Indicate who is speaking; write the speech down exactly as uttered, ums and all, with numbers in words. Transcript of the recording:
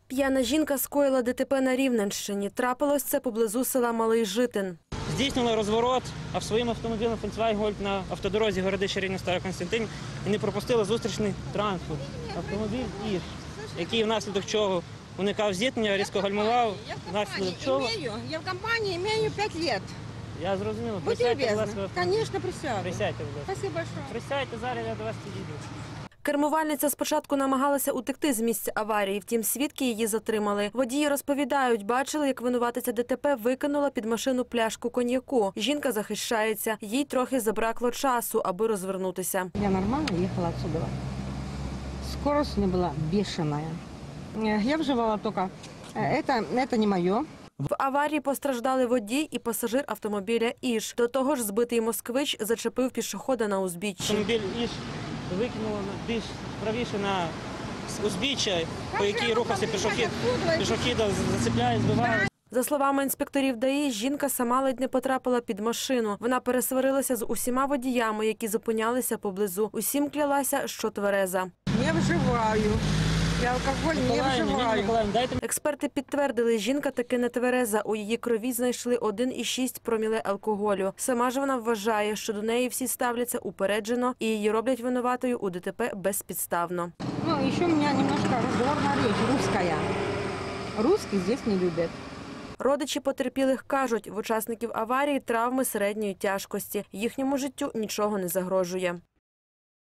Speaker 1: П'яна жінка скоїла ДТП на Рівненщині. Трапилось це поблизу села Малий Житин.
Speaker 2: Здійснила розворот, а своїм автомобілем Volkswagen Golf на автодорозі Городище Рівне Стара Костянтин і не пропустила зустрічний транспорт. Автомобіль «Іж», який внаслідок чого уникав зіткнення, різко гальмував, внаслідок чого…
Speaker 3: Я в компанії маю п'ять років.
Speaker 2: Я зрозумів.
Speaker 3: Будьте
Speaker 2: Присядьте, будь
Speaker 3: любезні.
Speaker 2: ласка.
Speaker 3: Звісно, присяду.
Speaker 2: Присядьте, будь ласка.
Speaker 3: Спасибо большое.
Speaker 2: Присядьте, зараз я до вас підійду.
Speaker 1: Кермувальниця спочатку намагалася утекти з місця аварії, втім свідки її затримали. Водії розповідають, бачили, як винуватиця ДТП викинула під машину пляшку коньяку. Жінка захищається, їй трохи забракло часу, аби розвернутися.
Speaker 3: Я нормально їхала отсюда. Скорость не була бешеная. Я вживала тільки, це, це не моє.
Speaker 1: В аварії постраждали водій і пасажир автомобіля «Іж». До того ж, збитий москвич зачепив пішохода на узбіччі.
Speaker 2: Автомобіль «Іж» викинуло більш правіше на узбіччя, по якій рухався пішохід. Пішохіда зацепляє, збиває.
Speaker 1: За словами інспекторів ДАІ, жінка сама ледь не потрапила під машину. Вона пересварилася з усіма водіями, які зупинялися поблизу. Усім клялася, що твереза.
Speaker 3: Не вживаю. Я алкоголь не вживаю.
Speaker 1: Експерти підтвердили, жінка таки не твереза. У її крові знайшли один і шість проміле алкоголю. Сама ж вона вважає, що до неї всі ставляться упереджено і її роблять винуватою у ДТП безпідставно.
Speaker 3: Ну, ще у мене немножко розговорна річ, русская. Русских здесь не люблять.
Speaker 1: Родичі потерпілих кажуть, в учасників аварії травми середньої тяжкості. Їхньому життю нічого не загрожує.